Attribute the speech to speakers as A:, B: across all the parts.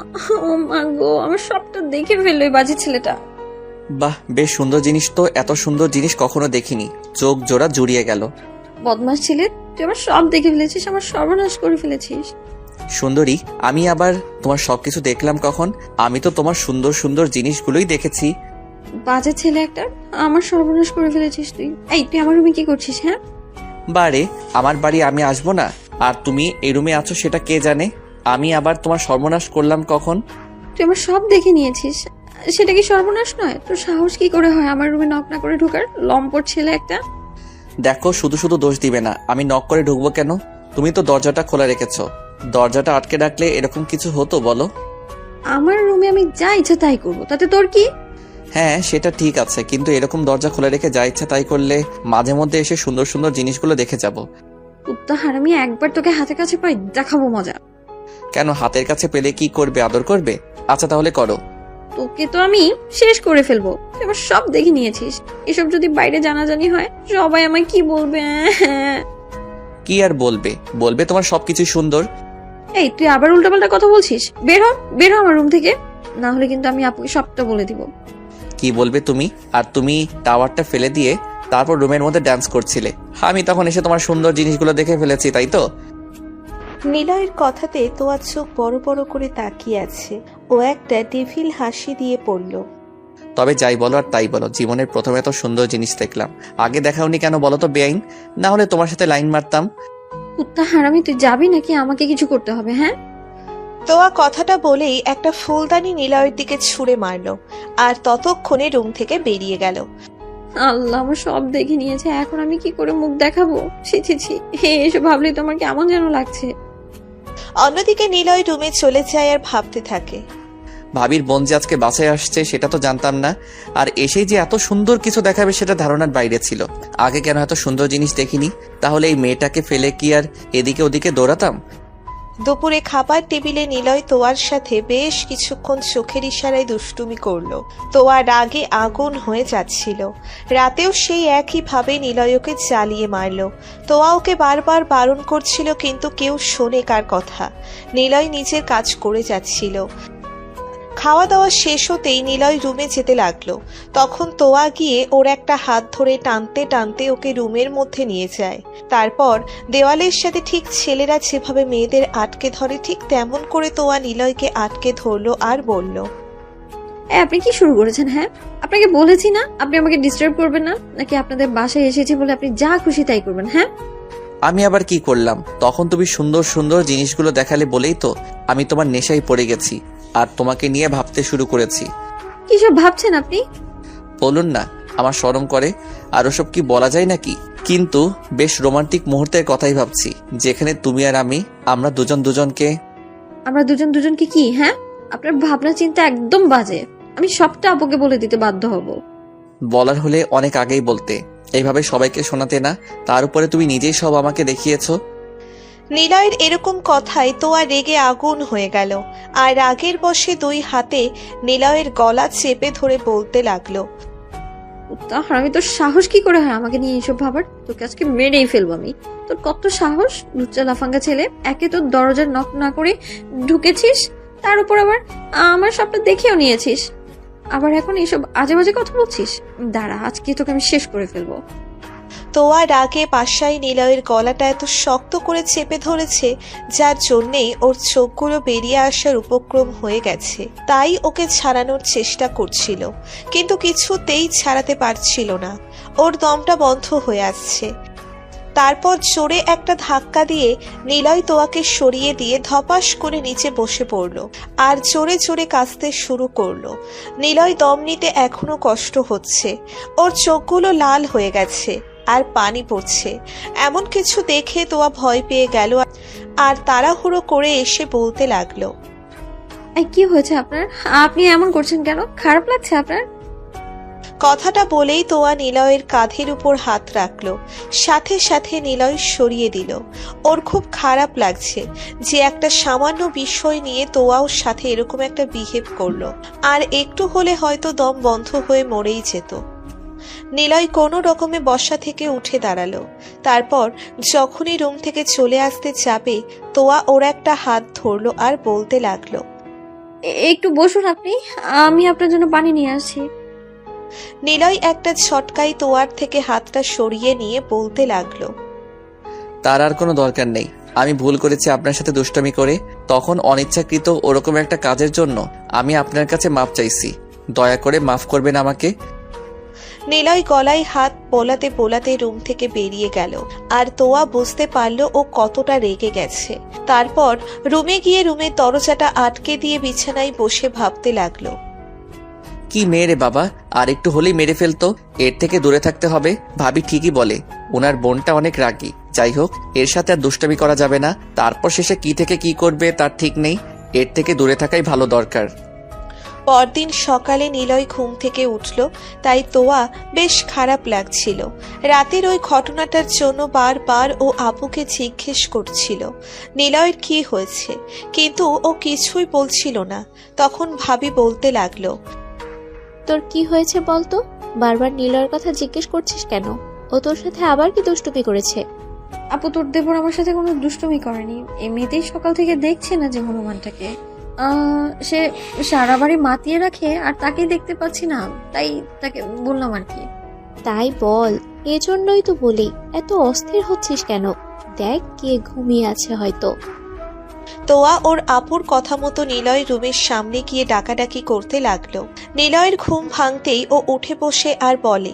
A: ও মা গো, আমার সবটা দেখে ফেললো এই বাজে ছেলেটা।
B: বাহ, বেশ সুন্দর জিনিস তো। এত সুন্দর জিনিস কখনো দেখিনি। চোখ জোড়া জুড়িয়ে গেল।
A: বদমাস ছেলে, তুই আমার সব দেখে ফেলেছিস, আমার সর্বনাশ করে ফেলেছিস।
B: সুন্দরী, আমি আবার তোমার সবকিছু দেখলাম কখন? আমি তো তোমার সুন্দর সুন্দর জিনিসগুলোই দেখেছি।
A: বাজে ছেলে একটা, আমার সর্বনাশ করে ফেলেছিস তুই। এই, তুই আমার রুমে কি করছিস? হ্যাঁ,
B: বারে, আমার বাড়ি আমি আসবো না? আর তুমি এই রুমে আছো সেটা কে জানে? আমি আবার তোমার সর্বনাশ করলাম কখন?
A: তুই আমার সব দেখে নিয়েছিস, সেটা কি সর্বনাশ নয়? তোর সাহস কি করে হয় আমার রুমে নক না করে ঢোকার, লম্পট ছেলে একটা।
B: দেখো, শুধু শুধু দোষ দিবে না। আমি নক করে ঢুকবো কেন? তুমি তো দরজাটা খোলা রেখেছো। দরজাটা আটকে রাখলে এরকম কিছু হতো বলো?
A: আমার রুমে আমি যা ইচ্ছা তাই করবো, তাতে তোর কি?
B: হ্যাঁ, সেটা ঠিক আছে, কিন্তু এরকম দরজা খোলা রেখে যা ইচ্ছা তাই করলে মাঝে মধ্যে এসে সুন্দর সুন্দর জিনিসগুলো দেখে যাব।
A: কুত্তা হারামি, একবার তোকে হাতে কাছে পাই, দেখাবো মজা।
B: কেন, হাতের কাছে পেলে কি করবে? আদর করবে? আচ্ছা তাহলে করো।
A: তোকে তো আমি শেষ করে ফেলবো। তুই আমার সব দেখে নিয়েছিস, এসব যদি বাইরে জানাজানি হয় সবাই আমায় কি বলবে?
B: কি আর বলবে? বলবে তোমার সবকিছু সুন্দর।
A: এই, তুই আবার উল্টাপাল্টা কথা বলছিস। বের হ, বের হ আমার রুম থেকে, না হলে কিন্তু আমি আপুকে সবটা বলে দিব।
B: কি বলবে তুমি? আর তুমি টাওয়ারটা ফেলে দিয়ে তারপর রুমের মধ্যে ডান্স করছিলে, আমি তখন এসে তোমার সুন্দর জিনিসগুলো দেখে ফেলেছি, তাই তো?
C: নিলয়ের কথাতে তোয়ার চোখ বড় বড় করে তাকিয়ে আছে। ও একটা ডেভিল হাসি দিয়ে পড়ল।
B: তবে যাই বলো আর তাই বলো, জীবনের প্রথমে তো সুন্দর জিনিস দেখলাম, আগে দেখাওনি কেন বলো তো বেআইন? না হলে তোমার সাথে লাইন মারতাম।
A: কুত্তা হারামি, তুই যাবি নাকি আমাকে কিছু করতে হবে? হ্যাঁ,
C: তোয়া কথাটা বলেই একটা ফুলদানি নিলয়ের দিকে ছুঁড়ে মারল আর ততক্ষণে রুম থেকে বেরিয়ে গেল।
A: আল্লাহ, আমার সব দেখে নিয়েছে, এখন আমি কি করে মুখ দেখাবো? ছি ছি ছি, এসব ভাবলে তোমার কেমন যেন লাগছে।
C: অন্যদিকে নিলয় রুমে চলে যায় আর ভাবতে থাকে।
B: ভাবির বোন যে আজকে বাসায় আসছে সেটা তো জানতাম না, আর এসেই যে এত সুন্দর কিছু দেখাবে সেটা ধারণার বাইরে ছিল। আগে কেন এত সুন্দর জিনিস দেখিনি? তাহলে এই মেয়েটাকে ফেলে কি আর এদিকে ওদিকে দৌড়াতাম?
C: দুপুরে খাবার টেবিলে নিলয় তোয়ার সাথে বেশ কিছুক্ষণ চোখের ইশারায় দুষ্টুমি করলো। তোয়া রাগে আগুন হয়ে যাচ্ছিল। রাতেও সেই একইভাবে নিলয় ওকে জ্বালিয়ে মারল। তোয়া ওকে বারবার বারণ করছিল, কিন্তু কেউ শোনে কার কথা। নিলয় নিজের কাজ করে যাচ্ছিল। খাওয়া দাওয়া শেষ হতেই নিলয় রুমে যেতে লাগলো। তখন তোয়া গিয়ে ওর একটা হাত ধরে টানতে টানতে ওকে রুমের মধ্যে নিয়ে যায়। তারপর দেওয়ালের সাথে ঠিক ছেলেরা যেভাবে মেয়েদের আটকে ধরে ঠিক তেমন করে তোয়া নিলয়কে আটকে ধরলো আর বলল,
A: আপনি কি শুরু করেছেন? হ্যাঁ, আপনাকে বলেছি না আপনি আমাকে ডিস্টার্ব করবেন না, নাকি আপনাদের বাসায় এসেছি বলে আপনি যা খুশি তাই করবেন? হ্যাঁ,
B: আমি আবার কি করলাম? তখন তুমি সুন্দর সুন্দর জিনিসগুলো দেখালে বলেই তো আমি তোমার নেশায় পড়ে গেছি আর তোমাকে নিয়ে ভাবতে শুরু করেছি।
A: কি সব ভাবছেন আপনি?
B: বলুন না, আমার শরম করে। আর ওসব কি বলা যায় নাকি? কিন্তু বেশ রোমান্টিক মুহূর্তের কথাই ভাবছি, যেখানে তুমি আর আমরা দুজন দুজনকে।
A: আমরা দুজন দুজনকে কি? হ্যাঁ, আপনার ভাবনা চিন্তা একদম বাজে। আমি সবটা আপুকে বলে দিতে বাধ্য হব।
B: বলার হলে অনেক আগেই বলতে, এইভাবে সবাইকে শোনাতে না। তার উপরে তুমি নিজেই সব আমাকে দেখিয়েছো।
C: নিলয়ের এরকম কথায় তোয়া রেগে আগুন হয়ে গেল আর রাগের বশে দুই হাতে নিলয়ের গলা চেপে ধরে বলতে লাগলো,
A: তাহলে আমি, তোর সাহস কি করে হয় আমাকে নিয়ে এসব ভাবার? তোকে আজকে মেরেই ফেলবো আমি। তোর কত সাহস, লুচ্চা লাফাঙ্গা ছেলে! একে তোর দরজার নক না করে ঢুকেছিস, তার উপর আবার আমার সবটা দেখেও নিয়েছিস, আবার এখন এইসব আজে বাজে কথা বলছিস। দাঁড়া, আজকে তোকে আমি শেষ করে ফেলবো।
C: তোয়া রাগে পাশায় নিলয়ের গলাটা এত শক্ত করে চেপে ধরেছে, যার জন্যেই ওর চোখগুলো বেরিয়ে আসার উপক্রম হয়ে গেছে। তাই ওকে ছাড়ানোর চেষ্টা করছিল, কিন্তু কিছুতেই ছাড়াতে পারছিল না। ওর দমটা বন্ধ হয়ে আসছে। তারপর জোরে একটা ধাক্কা দিয়ে নিলয় তোয়াকে সরিয়ে দিয়ে ধপাস করে নিচে বসে পড়ল আর জোরে জোরে কাঁদতে শুরু করলো। নিলয় দম নিতে এখনো কষ্ট হচ্ছে, ওর চোখগুলো লাল হয়ে গেছে আর পানি পড়ছে। এমন কিছু দেখে তোয়া ভয় পেয়ে গেল আর তাড়াহুড়ো করে এসে বলতে লাগলো,
A: এই, কি হয়েছে আপনার? আপনি এমন করছেন কেন? খারাপ লাগছে আপনার?
C: কথাটা বলেই তোয়া নিলয়ের কাঁধের উপর হাত রাখলো, সাথে সাথে নিলয় সরিয়ে দিল। ওর খুব খারাপ লাগছে যে একটা সামান্য বিষয় নিয়ে তোয়াও সাথে এরকম একটা বিহেভ করলো, আর একটু হলে হয়তো দম বন্ধ হয়ে মরেই যেত। নিলয় কোনো রকমে বসা থেকে উঠে দাঁড়ালো। তারপর যখনই রুম থেকে চলে আসতে যাবে, তোয়া ওর একটা হাত ধরলো আর বলতে লাগলো,
A: একটু বসুন আপনি, আমি আপনার জন্য পানি নিয়ে আসছি।
C: নিলয় একটা ঝটকায় তোয়ার থেকে হাতটা সরিয়ে নিয়ে বলতে লাগলো।
B: তার আর কোনো দরকার নেই। আমি ভুল করেছি আপনার সাথে দুষ্টামি করে, তখন অনিচ্ছাকৃত ওরকম একটা কাজের জন্য আমি আপনার কাছে মাপ চাইছি। দয়া করে মাফ করবেন আমাকে।
C: নিলয় গলায় হাত বোলাতে বোলাতে রুম থেকে বেরিয়ে গেল। আর তোয়া বুঝতে পারল ও কতটা রেগে গেছে। তারপর রুমে গিয়ে রুমের দরজাটা আটকে দিয়ে বিছানায় বসে ভাবতে লাগলো।
B: কি মেয়ে রে বাবা, আর একটু হলেই মেরে ফেলতো। এর থেকে দূরে থাকতে হবে। ভাবি ঠিকই বলে, ওনার বোনটা অনেক রাগী। যাই হোক, এর সাথে আর দুষ্টামি করা যাবে না। তারপর শেষে কি থেকে কি করবে তার ঠিক নেই। এর থেকে দূরে থাকাই ভালো দরকার।
C: পরদিন সকালে নিলয় ঘুম থেকে উঠল, তাই তোয়া বেশ খারাপ লাগছিল। রাতের ওই ঘটনাটার জন্য বারবার ও আপুকে জিজ্ঞেস করছিল নিলয়ের কি হয়েছে, কিন্তু ও কিছুই বলছিল না। তখন ভাবি বলতে লাগলো,
D: তোর কি হয়েছে বলতো? বারবার নিলয়ের কথা জিজ্ঞেস করছিস কেন? ও তোর সাথে আবার কি দুষ্টুমি করেছে?
A: আপু, তোর দেবর আমার সাথে কোনো দুষ্টুমি করেনি। এমনিতেই সকাল থেকে দেখছে না যে হনুমানটাকে সে সারা বাড়ি মাতিয়ে রাখে, আর তাকেই দেখতে পাচ্ছি না, তাই তাকে বললাম আর কি।
D: তাই বল, এজন্যই তো বলি এত অস্থির হচ্ছিস কেন? দেখ, কে ঘুমিয়ে আছে হয়তো।
C: তোয়া ওর আপুর কথা মতো নিলয় রুমের সামনে গিয়ে ডাকাডাকি করতে লাগলো। নিলয়ের ঘুম ভাঙতেই ও উঠে বসে আর বলে,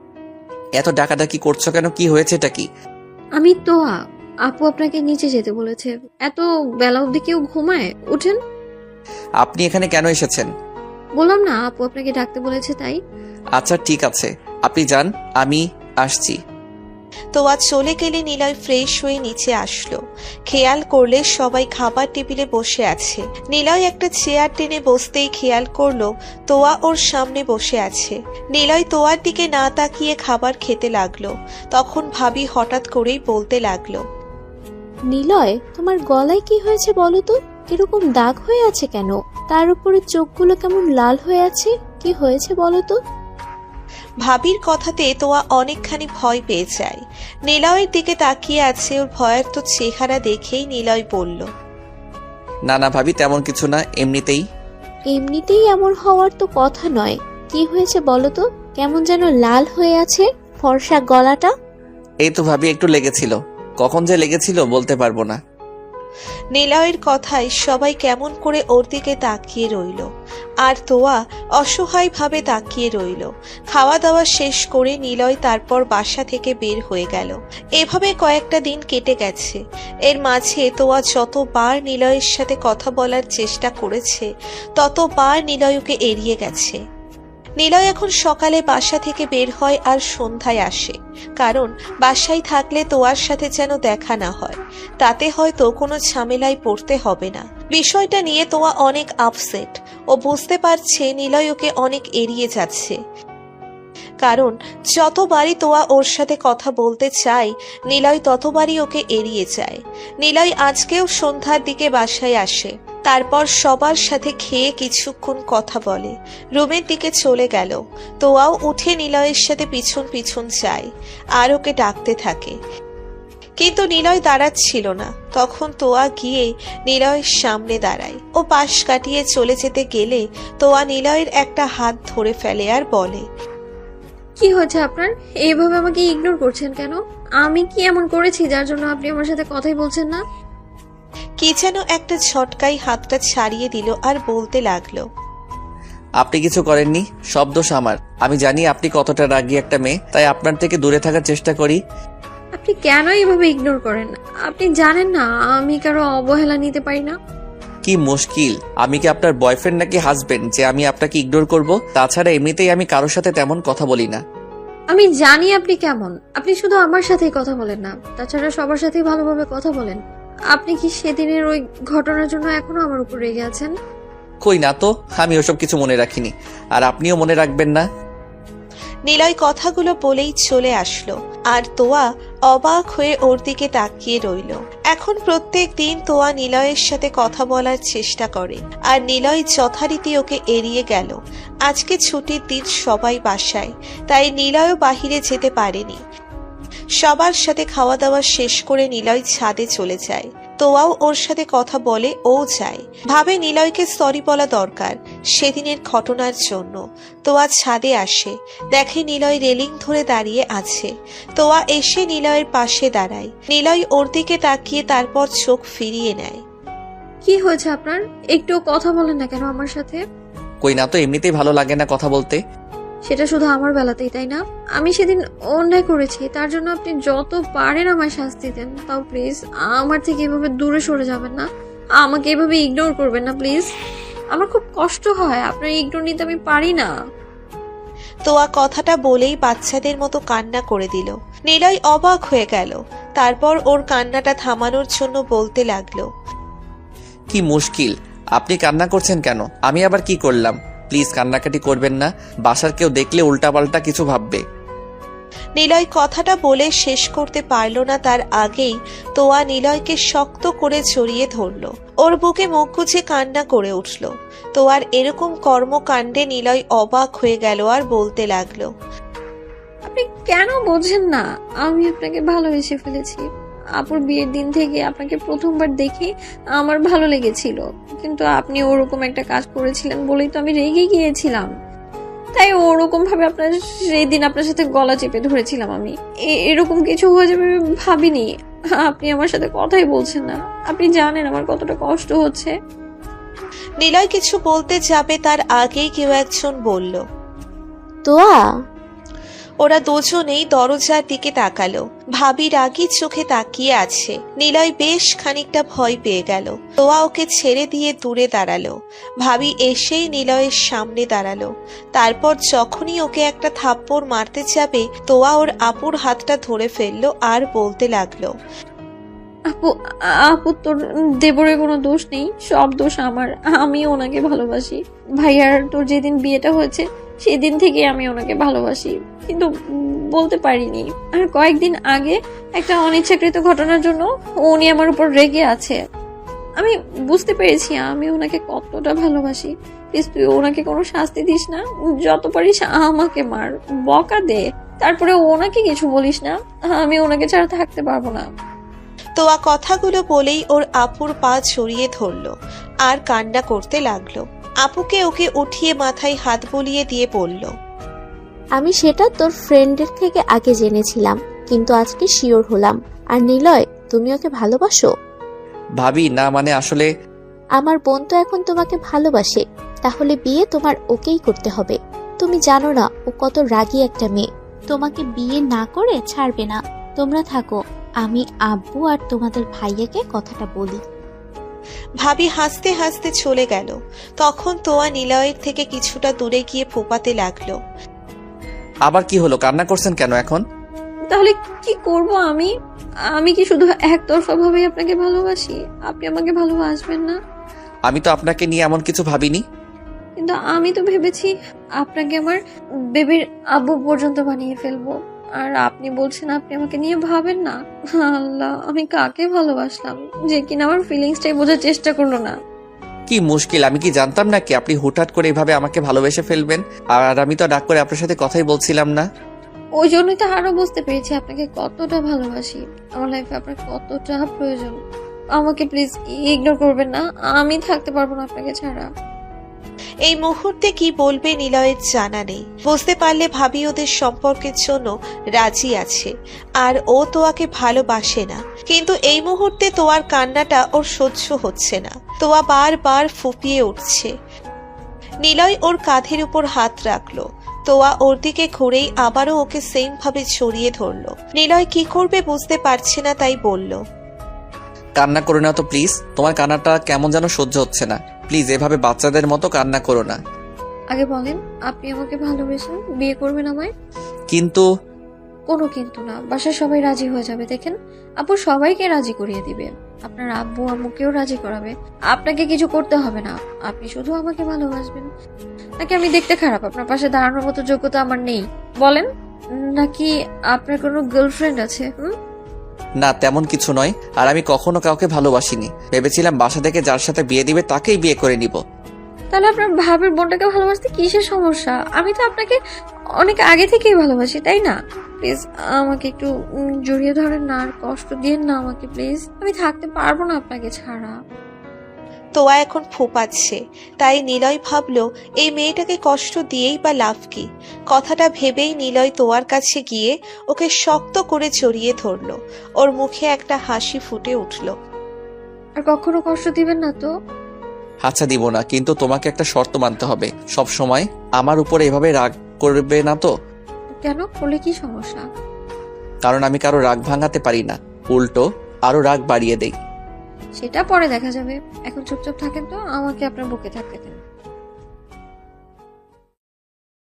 B: এত ডাকাডাকি করছো কেন? কি হয়েছে এটা কি?
A: আমি তো আপু আপনাকে নিচে যেতে বলেছে। এত বেলা অবধি কেউ ঘুমায়? উঠেন।
B: আপনি এখানে কেন এসেছেন?
A: বললাম না, আপু আপনাকে ডাকতে বলেছে তাই।
B: আচ্ছা ঠিক আছে, আপনি যান, আমি আসছি।
C: তোয়া চলে গেলে নিলয় ফ্রেশ হয়ে নিচে আসলো। খেয়াল করলে সবাই খাবার টেবিলে বসে আছে। নিলয় একটা চেয়ার টেনে বসতেই খেয়াল করলো তোয়া ওর সামনে বসে আছে। নিলয় তোয়ার দিকে না তাকিয়ে খাবার খেতে লাগলো। তখন ভাবি হঠাৎ করেই বলতে লাগলো,
D: নিলয়, তোমার গলায় কি হয়েছে বলো তো? এরকম দাগ হয়ে আছে কেন? তার উপরে চোখগুলো কেমন লাল হয়ে আছে, কি হয়েছে বলো তো?
C: ভাবির কথাতে তোয়া অনেকখানি ভয় পেয়ে যায়। নিলয়ের দিকে তাকিয়ে আছে। ওর ভয়ের তো চেহারা দেখেই নিলয় বলল,
B: না না ভাবি, তেমন কিছু না, এমনিতেই।
D: এমনিতেই এমন হওয়ার তো কথা নয়। কি হয়েছে বলো তো? কেমন যেন লাল হয়ে আছে ফর্সা গলাটা।
B: এই তো ভাবি, একটু লেগেছিল। কখন যে লেগেছিল বলতে পারবো না।
C: নিলয়ের কথায় সবাই কেমন করে ওর দিকে তাকিয়ে রইল। আর তোয়া অসহায়ভাবে তাকিয়ে রইল। খাওয়া দাওয়া শেষ করে নিলয় তারপর বাসা থেকে বের হয়ে গেল। এভাবে কয়েকটা দিন কেটে গেছে। এর মাঝে তোয়া যতবার নিলয়ের সাথে কথা বলার চেষ্টা করেছে, ততবার নিলয় ওকে এড়িয়ে গেছে। নিলয় এখন সকালে বাসা থেকে বের হয় আর সন্ধ্যায় আসে। কারণ বাসায় থাকলে তোয়ার সাথে যেন দেখা না হয়, তাতে হয়তো কোনো ঝামেলায় পড়তে হবে না। বিষয়টা নিয়ে তোয়া অনেক আপসেট। ও বুঝতে পারছে নিলয় ওকে অনেক এড়িয়ে যাচ্ছে। কারণ যতবারই তোয়া ওর সাথে কথা বলতে চায়, নিলয় ততবারই ওকে এড়িয়ে যায়। নিলয় আজকেও সন্ধ্যার দিকে বাসায় আসে। তারপর সবার সাথে খেয়ে কিছুক্ষণ কথা বলে, রুমের দিকে চলে গেল। তোয়াও উঠে নিলয়ের সাথে পিছন পিছন যায় আর ওকে ডাকতে থাকে, কিন্তু নিলয় দাঁড়াচ্ছিল না। তখন তোয়া গিয়ে নিলয়ের সামনে দাঁড়ায়। ও পাশ কাটিয়ে চলে যেতে গেলে তোয়া নিলয়ের একটা হাত ধরে ফেলে আর বলে,
A: কি হয়েছে আপনার? এইভাবে আমাকে ইগনোর করছেন কেন? আমি কি এমন করেছি যার জন্য আপনি আমার সাথে কথাই বলছেন না?
C: কি যেন একটা ঝটকাই হাতটা ছাড়িয়ে দিল আর বলতে লাগলো,
B: আপনি কিছু করেননি, সব দোষ আমার। আমি জানি আপনি কতটা রাগী একটা মেয়ে, তাই আপনার থেকে দূরে থাকার চেষ্টা করি।
A: আপনি কেন এইভাবে ইগনোর করেন? আপনি জানেন না আমি কারো অবহেলা নিতে পারি না।
B: কি মুশকিল, আমি কি আপনার বয়ফ্রেন্ড নাকি হাজবেন্ড যে আমি আপনাকে ইগনোর করব? তাছাড়া এমনিতেই আমি কারোর সাথে তেমন কথা বলি না।
A: আমি জানি আপনি কেমন। আপনি শুধু আমার সাথেই কথা বলেন না, তাছাড়া সবার সাথেই ভালোভাবে কথা বলেন। আপনি কি সেদিনের ওই ঘটনার জন্য এখনো আমার উপর রেগে আছেন?
B: কই না তো, আমি ওসব কিছু মনে রাখিনি, আর আপনিও মনে রাখবেন না।
C: নিলয় কথাগুলো বলেই চলে আসলো। আর তোয়া অবাক হয়ে ওর দিকে তাকিয়ে রইল। এখন প্রত্যেক দিন তোয়া নিলয়ের সাথে কথা বলার চেষ্টা করে, আর নিলয় যথারীতি ওকে এড়িয়ে গেল। আজকে ছুটির দিন, সবাই বাসায়, তাই নিলয়ও বাহিরে যেতে পারেনি। সবার সাথে খাওয়া দাওয়া শেষ করে নিলয় ছাদে চলে যায়। তোয়াও ওর সাথে কথা বলে, ও যায়। ভাবে নিলয়কে সরি বলা দরকার সেদিনের ঘটনার জন্য। তোয়া ছাদে আসে, দেখে নিলয় রেলিং ধরে দাঁড়িয়ে আছে। তোয়া এসে নিলয়ের পাশে দাঁড়ায়। নিলয় ওর দিকে তাকিয়ে তারপর চোখ ফিরিয়ে নেয়।
A: কি হয়েছে আপনার? একটু কথা বলেন না কেন আমার সাথে?
B: কই না তো, এমনিতেই ভালো লাগে না কথা বলতে।
A: সেটা শুধু আমার বেলাতেই, তাই না? আমি সেদিন অন্যায় করেছি, তার জন্য আপনি যত পারেন আমায় শাস্তি দেন। তাও প্লিজ আমার থেকে এভাবে দূরে সরে যাবেন না, আমাকে এভাবে ইগনোর করবেন না প্লিজ। আমার খুব কষ্ট হয়, আপনার ইগনোর নিতে আমি পারি না।
C: তোয়া কথাটা বলেই বাচ্চাদের মতো কান্না করে দিল। নিলয় অবাক হয়ে গেল। তারপর ওর কান্নাটা থামানোর জন্য বলতে লাগলো,
B: কি মুশকিল, আপনি কান্না করছেন কেন? আমি আবার কি করলাম? প্লিজ কান্নাকাটি করবেন না, বাসার কেউ দেখলে উল্টাপাল্টা কিছু ভাববে।
C: নিলয় কথাটা বলে শেষ করতে পারল না, তার আগেই তোয়া নিলয়কে শক্ত করে জড়িয়ে ধরল। ওর বুকে মুখ গুজে কান্না করে উঠল। তোয়ার এরকম কর্মকাণ্ডে নিলয় অবাক হয়ে গেল আর বলতে লাগলো,
A: আপনি কেন বোঝেন না? আমি আপনাকে ভালোবেসে ফেলেছি। আপুর বিয়ের দিন থেকে আপনাকে প্রথমবার দেখে আমার ভালো লেগেছিল, কিন্তু আপনি ওরকম একটা কাজ করেছিলেন বলেই তো আমি রেগে গিয়েছিলাম। তাই ওরকম ভাবে আপনার সেই দিন আপনার সাথে গলা চেপে ধরেছিলাম আমি। এরকম কিছু হয়ে যাবে ভাবিনি। আপনি আমার সাথে কথাই বলছেন না, আপনি জানেন আমার কতটা কষ্ট হচ্ছে।
C: নিলয় কিছু বলতে যাবে তার আগেই কেউ একজন বলল।
D: তোয়া,
C: ওরা দুজনেই দরজার দিকে তাকালো। ভাবি রাগী চোখে তাকিয়ে আছে। নিলয় বেশ খানিকটা ভয় পেয়ে গেল। তোয়া ওকে ছেড়ে দিয়ে দূরে দাঁড়ালো। ভাবি এসেই নিলয়ের সামনে দাঁড়ালো। তারপর যখনই ওকে একটা থাপ্পড় মারতে যাবে, তোয়া ওর আপুর হাতটা ধরে ফেললো আর বলতে লাগলো,
A: আপু আপু তোর দেবরের কোনো দোষ নেই, সব দোষ আমার। আমি ওনাকে ভালোবাসি। ভাইয়ার তোর যেদিন বিয়েটা হয়েছে সেদিন থেকে আমি ওনাকে ভালোবাসি, কিন্তু বলতে পারিনি। আর কয়েকদিন আগে একটা অনিচ্ছাকৃত ঘটনার জন্য উনি আমার উপর রেগে আছে। আমি বুঝতে পেরেছি আমি ওনাকে কতটা ভালোবাসি। প্লিজ তুই ওনাকে কোনো শাস্তি দিস না, যত পারিস আমাকে মার, বকা দে, তারপরে ওনাকে কিছু বলিস না। আমি ওনাকে ছাড়া থাকতে পারবো না।
C: তোয়া কথাগুলো বলেই ওর আপুর পা জড়িয়ে ধরলো আর কান্না করতে লাগলো। আপুকে ওকে উঠিয়ে মাথায় হাত বুলিয়ে দিয়ে বলল,
D: আমি সেটা তোর ফ্রেন্ডের থেকে আগে জেনেছিলাম, কিন্তু আজকে শিওর হলাম। আর নিলয়, তুমি ওকে ভালোবাসো?
B: ভাবি না, মানে আসলে
D: আমার বোন তো এখন তোমাকে ভালোবাসে, তাহলে বিয়ে তোমার ওকেই করতে হবে। তুমি জানো না ও কত রাগী একটা মেয়ে, তোমাকে বিয়ে না করে ছাড়বে না। তোমরা থাকো, আমি আব্বু আর তোমাদের ভাইয়াকে কথাটা বলি।
C: ভাবি হাসতে হাসতে চলে গেল। তখন তোয়া নিলয়ের থেকে কিছুটা দূরে গিয়ে ফোপাতে লাগলো।
B: আবার কি হলো? কান্না করছেন কেন এখন?
A: তাহলে কি করব আমি? আমি কি শুধু একতরফা ভাবে আপনাকে ভালোবাসি? আপনি আমাকে ভালোবাসবেন না?
B: আমি তো আপনাকে নিয়ে এমন কিছু ভাবিনি।
A: কিন্তু আমি তো ভেবেছি আপনাকে আমার বেবির আব্বু পর্যন্ত বানিয়ে ফেলবো, আর আপনি বলছেন আপনি আমাকে নিয়ে ভাবেন না। আল্লাহ, আমি কাকে ভালোবাসলাম যে কিনা আমার ফিলিংসটাই বোঝার চেষ্টা করলো না।
B: কি মুশকিল, আমি কি জানতাম নাকি আপনি হুটহাট করে এভাবে আমাকে ভালোবেসে ফেলবেন? আর আমি তো ডাক করে আপনার সাথে কথাই বলছিলাম না।
A: ওই জন্যই তো আরো বুঝতে পেরেছি আপনাকে কতটা ভালোবাসি, আমার লাইফে আপনার কতটা প্রয়োজন। আমাকে প্লিজ ইগনোর করবেন না, আমি থাকতে পারবো না আপনাকে ছাড়া।
C: এই মুহূর্তে কি বলবে নিলয়ের জানা নেই। বুঝতে পারলে ভাবি ওদের সম্পর্কের জন্য রাজি আছে আর ও তোয়াকে ভালোবাসে না। কিন্তু এই মুহূর্তে তোয়ার কান্নাটা ওর সহ্য হচ্ছে না। তোয়া বারবার ফুপিয়ে উঠছে। নিলয় ওর কাঁধের উপর হাত রাখলো। তোয়া ওর দিকে ঘুরেই আবারও ওকে সেম ভাবে ছড়িয়ে ধরলো। নিলয় কি করবে বুঝতে পারছে না, তাই বলল,
B: কান্না করো না তো প্লিজ, তোমার কান্নাটা কেমন যেন সহ্য হচ্ছে না। প্লিজ এভাবে বাচ্চাদের মতো কান্না করো না।
A: আগে বলেন আপনি আমাকে ভালোবেসেন, বিয়ে করবেন আমায়?
B: কিন্তু
A: কোনো কিন্তু না, বাসার সবাই রাজি হয়ে যাবে। দেখেন আপু সবাইকে রাজি করিয়ে দিবে, আপনার আব্বু আম্মুকেও রাজি করাবে। আপনাকে কিছু করতে হবে না, আপনি শুধু আমাকে ভালোবাসবেন। নাকি আমি দেখতে খারাপ? আপনার পাশে দাঁড়ানোর মতো যোগ্যতা আমার নেই বলেন? নাকি আপনার কোনো গার্লফ্রেন্ড আছে?
B: না, তেমন কিছু নয়। আর আমি কখনো কাউকে ভালোবাসিনি। ভেবেছিলাম বাসা থেকে যার সাথে বিয়ে দিবে তাকেই বিয়ে করে নিব।
A: তাহলে আপনার ভাবের বোনটাকে ভালোবাসতে কিসের সমস্যা? আমি তো আপনাকে অনেক আগে থেকেই ভালোবাসি, তাই না? প্লিজ আমাকে একটু জড়িয়ে ধরেন না, আর কষ্ট দিয়েন না আমাকে প্লিজ। আমি থাকতে পারবো না আপনাকে ছাড়া।
C: তোয়া এখন ফোপাচ্ছে, তাই নিলয় ভাবলো এই মেয়েটাকে কষ্ট দিয়েই বা লাভ কি। কথাটা ভেবেই নিলয় তোয়ার কাছে গিয়ে ওকে শক্ত করে জড়িয়ে ধরলো। ওর মুখে একটা হাসি ফুটে উঠল।
A: আর কখনো কষ্ট দিবেন না তো?
B: আচ্ছা দিব না, কিন্তু তোমাকে একটা শর্ত মানতে হবে। সব সময় আমার উপরে এভাবে রাগ করবে না তো?
A: কেন, করলে কি সমস্যা?
B: কারণ আমি কারো রাগ ভাঙাতে পারি না, উল্টো আরো রাগ বাড়িয়ে দেই।
A: সেটা পরে দেখা যাবে, এখন চুপচাপ থাকেন তো, আমাকে আপনার বুকে থাকতে দেন।